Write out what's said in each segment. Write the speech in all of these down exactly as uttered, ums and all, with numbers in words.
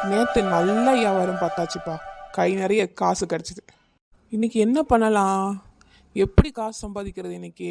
நேற்று நல்ல வியாபாரம் பார்த்தாச்சுப்பா. கை நிறைய காசு கிடச்சிது. இன்னைக்கு என்ன பண்ணலாம், எப்படி காசு சம்பாதிக்கிறது இன்னைக்கு?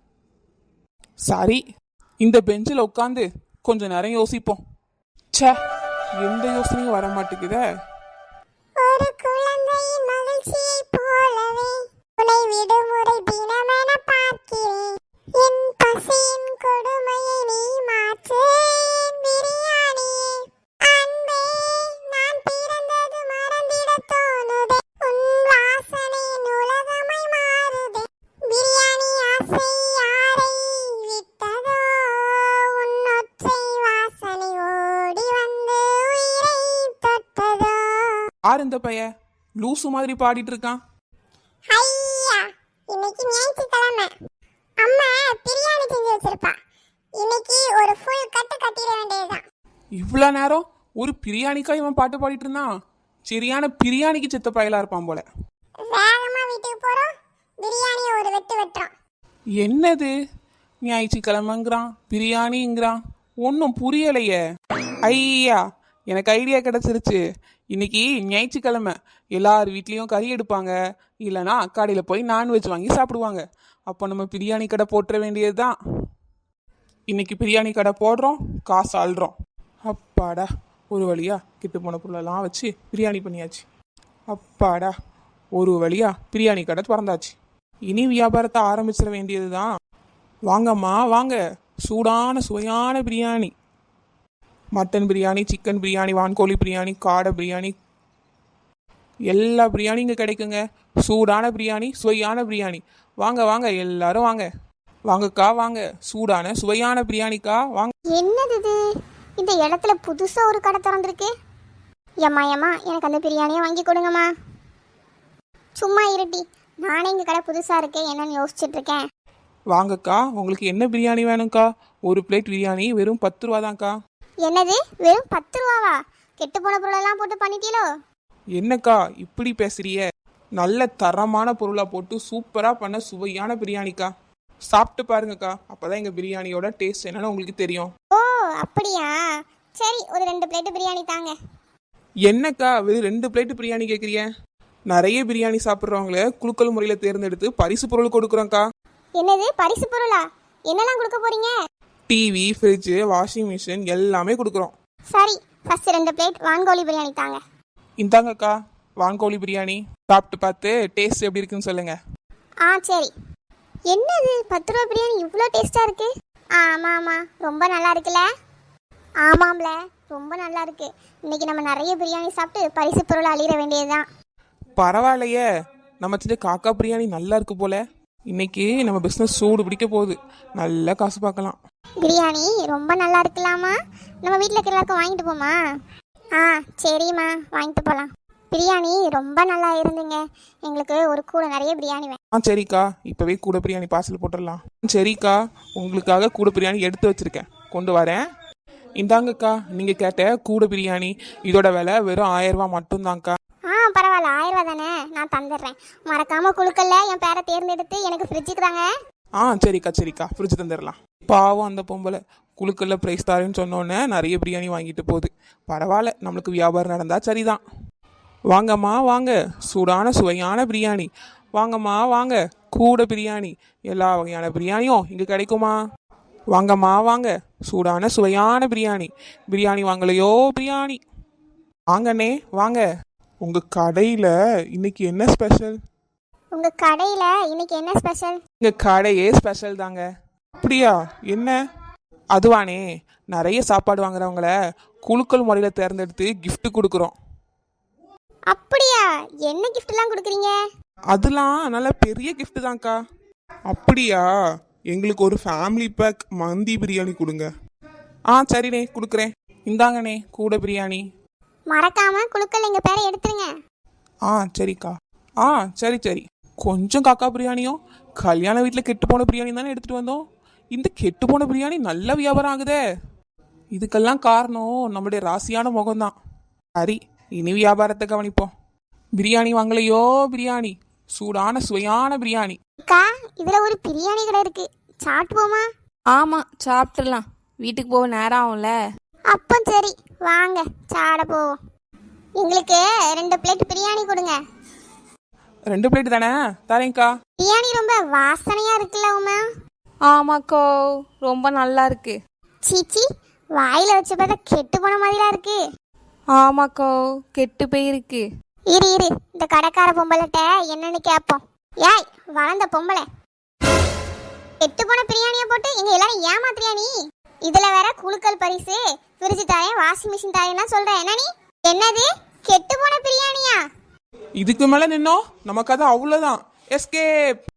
சரி, இந்த பெஞ்சில் உட்காந்து கொஞ்ச நேரம் யோசிப்போம். ச்சே, எந்த யோசனையும் வர மாட்டேங்குதே. ஒரு குழந்தையின் மகிழ்ச்சியை போலவே உன்னை விடுமுறை தினமென பார்க்கிறேன். என் பசியின் கொடுமையை நீ மாற்று பிரியாணியே. அன்பே, நான் பிறந்தது மறந்திட தோணுதே. உன் வாசனையின் உலகமாய் மாறுதே. பிரியாணி ஆசை யாரை விட்டதோ? உன் ஒற்றை வாசனை ஓடி வந்து உயிரை தொட்டதோ? யார் இந்த பைய லூசு மாதிரி பாடிட்டு இருக்கான்? ஐயா, இன்னைக்கு ஞாயிற்றுக்கிழமை. அம்மா பிரியாணி செஞ்சு வச்சிருப்பா. இன்னைக்கு ஒரு ஃபுல் கட்டு கட்டிட வேண்டியதுதான். இவ்வளோ நேரம் ஒரு பிரியாணிக்கா இவன் பாட்டு பாடிட்டு இருந்தான். சரியான பிரியாணிக்கு செத்த பயலா இருப்பான் போல. வேகமா வீட்டுக்கு போறோம், பிரியாணியை ஒரு வெட்டு வெட்டுறோம். என்னது ஞாயிற்றுக்கிழமைங்கிறான், பிரியாணிங்கிறான், ஒன்றும் புரியலையே. ஐயா, எனக்கு ஐடியா கிடச்சிருச்சு. இன்னைக்கு ஞாயிற்றுக்கிழமை எல்லார் வீட்லேயும் கறி எடுப்பாங்க, இல்லைனா கடையில் போய் நான்வெஜ் வாங்கி சாப்பிடுவாங்க. அப்போ நம்ம பிரியாணி கடை போட்டுற வேண்டியது தான். இன்னைக்கு பிரியாணி கடை போடுறோம், காசு ஆள்றோம். அப்பாடா, ஒரு வழியா கிட்டு போன பொருளெல்லாம் வச்சு பிரியாணி பண்ணியாச்சு. அப்பாடா, ஒரு வழியா பிரியாணி கடை திறந்தாச்சு. இனி வியாபாரத்தை ஆரம்பிச்சிட வேண்டியது தான். வாங்கம்மா வாங்க, சூடான சுவையான பிரியாணி. மட்டன் பிரியாணி, சிக்கன் பிரியாணி, வான்கோழி பிரியாணி, காடை பிரியாணி, எல்லா பிரியாணி இங்கே கிடைக்குங்க. சூடான பிரியாணி, சுவையான பிரியாணி. வாங்க வாங்க, எல்லாரும் வாங்க. வாங்கக்கா வாங்க, சூடான சுவையான பிரியாணிக்கா வாங்க. என்னது இது? இந்த இடத்துல புதுசா ஒரு கடை திறந்துருக்கு. ஏம்மா ஏம்மா, எனக்கு அந்த பிரியாணியை வாங்கி கொடுங்கம்மா. சும்மா இருட்டி, நானே இங்கே கடை புதுசா இருக்கேன் என்னன்னு யோசிச்சுட்டு இருக்கேன். வாங்கக்கா, உங்களுக்கு என்ன பிரியாணி வேணும்க்கா? ஒரு பிளேட் பிரியாணி வெறும் பத்து ரூபா தான்க்கா. என்னது, வெறும் பத்து ரூபாவா? கெட்டு போன பொருளெல்லாம் போட்டு பண்ணிட்டீங்களோ? என்னக்கா இப்படி பேசுறிய? நல்ல தரமான பொருளா போட்டு சூப்பரா பண்ண சுவையான பிரியாணிக்கா. சாப்பிட்டு பாருங்கக்கா, அப்பதான் எங்க பிரியாணியோட டேஸ்ட் என்னன்னு உங்களுக்கு தெரியும். ஓ அப்படியா, சரி ஒரு ரெண்டு பிளேட் பிரியாணி தாங்க. என்னக்கா வெறும் ரெண்டு பிளேட் பிரியாணி கேட்குறிய? நிறைய பிரியாணி சாப்பிட்றவங்கள குலுக்கல் முறையில் தேர்ந்தெடுத்து பரிசு பொருள் கொடுக்குறோங்க்கா. என்னது பரிசு பொருளா? என்னெல்லாம் கொடுக்க போறீங்க? டிவி, ஃப்ரிட்ஜு, வாஷிங் மிஷின் எல்லாமே கொடுக்குறோம். சரி, ஃபர்ஸ்ட் ரெண்டு பிளேட் வான்கோழி பிரியாணி தாங்க. இந்தாங்கக்கா வான்கோழி பிரியாணி. சாப்பிட்டு பார்த்து டேஸ்ட் எப்படி இருக்குன்னு சொல்லுங்க. ஆ சரி. என்னது பத்து ரூபா பிரியாணி இவ்வளோ டேஸ்டா இருக்கு? ஆமாம் ஆமாம், ரொம்ப நல்லா இருக்குல்ல? ஆமாம்ல, ரொம்ப நல்லா இருக்கு. இன்னைக்கு நம்ம நிறைய பிரியாணி சாப்பிட்டு பரிசு பொருள் அழியிற வேண்டியதுதான். பரவாயில்லையே, நம்ம செஞ்ச காக்கா பிரியாணி நல்லா இருக்கு போல. இன்னைக்கு நம்ம பிஸ்னஸ் சூடு பிடிக்க போகுது, நல்லா காசு பார்க்கலாம். பிரியாணி ரொம்ப நல்லா இருக்கலாமா? நம்ம வீட்டில் இருக்கிற எல்லாருக்கும் வாங்கிட்டு போமா? ஆ சரிம்மா, வாங்கிட்டு போகலாம். பிரியாணி ரொம்ப நல்லா இருந்துங்க. எங்களுக்கு ஒரு கூட நிறைய பிரியாணி வேணும். ஆ சரிக்கா, இப்போவே கூட பிரியாணி பார்சல் போட்டுடலாம். சரிக்கா, உங்களுக்காக கூட பிரியாணி எடுத்து வச்சிருக்கேன், கொண்டு வரேன். இந்தாங்கக்கா, நீங்கள் கேட்ட கூட பிரியாணி. இதோட விலை வெறும் ஆயிரம் ரூபா மட்டும்தாங்க்கா. ஆ பரவாயில்ல, ஆயிரம் ரூபா தானே, நான் தந்துடுறேன். மறக்காம குழுக்கல்ல என் பேரை தேர்ந்தெடுத்து எனக்கு ஃப்ரிட்ஜுக்கு தாங்க. ஆ சரிக்கா சரிக்கா, ஃப்ரிட்ஜ் தந்துடலாம். பாவம் அந்த பொம்பளை குழுக்கல்ல ப்ரைஸ் தாருன்னு சொன்னோன்னே நிறைய பிரியாணி வாங்கிட்டு போகுது. பரவாயில்ல, நம்மளுக்கு வியாபாரம் நடந்தா சரிதான். வாங்கம்மா வாங்க, சூடான சுவையான பிரியாணி. வாங்கம்மா வாங்க, கூட பிரியாணி. எல்லா வகையான பிரியாணியும் இங்கே கிடைக்குமா? வாங்கம்மா வாங்க, சூடான சுவையான பிரியாணி. பிரியாணி வாங்கலையோ பிரியாணி. வாங்கண்ணே வாங்க. உங்கள் கடையில் இன்னைக்கு என்ன ஸ்பெஷல்? உங்க கடையில இன்னைக்கு என்ன ஸ்பெஷல்? எங்கள் கடையே ஸ்பெஷல் தாங்க. அப்படியா, என்ன? அதுவானே, நிறைய சாப்பாடு வாங்குறவங்கள குலுக்கல் முறையில் தேர்ந்தெடுத்து gift கொடுக்குறோம். அப்படியா, என்ன கிஃப்ட்லாம் கொடுக்குறீங்க? அதெல்லாம் நல்ல பெரிய gift தான்க்கா. அப்படியா, எங்களுக்கு ஒரு ஃபேமிலி பேக் மந்தி பிரியாணி கொடுங்க. ஆ சரிண்ணே, கொடுக்குறேன். இந்தாங்கண்ணே கூட பிரியாணி. மறக்காம குழுக்கல் எங்க பேரை எடுத்துருங்க. ஆ சரிக்கா. ஆ சரி சரி. கொஞ்சம் காக்கா பிரியாணியும் கல்யாண வீட்டில் கெட்டு போன பிரியாணி தானே எடுத்துகிட்டு வந்தோம். இந்த கெட்டு போன பிரியாணி நல்ல வியாபாரம் ஆகுதே. இதுக்கெல்லாம் காரணம் நம்மளுடைய ராசியான முகம்தான். சரி, இனி வியாபாரத்தை கவனிப்போம். பிரியாணி வாங்கலையோ பிரியாணி, சூடான சுவையான பிரியாணி. அக்கா, இதுல ஒரு பிரியாணி கடை இருக்கு, சாப்பிட்டுப்போமா? ஆமாம், சாப்பிட்றலாம். வீட்டுக்கு போக நேரம் ஆகும்ல. அப்போ சரி, வாங்க சாட போவோம். எங்களுக்கு ரெண்டு பிளேட் பிரியாணி கொடுங்க. ரெண்டு பிளேட் தானே, தரேங்க்கா. பிரியாணி ரொம்ப வாசனையா இருக்குல்ல உமா? ஆமாக்கோ, ரொம்ப நல்லா இருக்கு. சீச்சி, வாயில வச்சு பார்த்தா கெட்டு போன மாதிரிலாம் இருக்கு. ஆமாக்கோ, கெட்டு போயிருக்கு. இரு இரு இந்த கடைக்கார பொம்பளைட்ட என்னன்னு கேட்போம். ஏய் வளர்ந்த பொம்பளை, கெட்டு போன பிரியாணியை போட்டு எங்க எல்லாரும் ஏமாத்துறியா நீ? இதுல வேற குழுக்கள் பரிசு, ஃப்ரிட்ஜ் தாயம், வாஷிங் மிஷின் தாயம்லாம் சொல்ற. என்ன நீ? என்னது கெட்டு போன பிரியாணியா? இதுக்கு மேல நின்னோம் நமக்கு அது அவ்வளவுதான். எஸ்கேப்.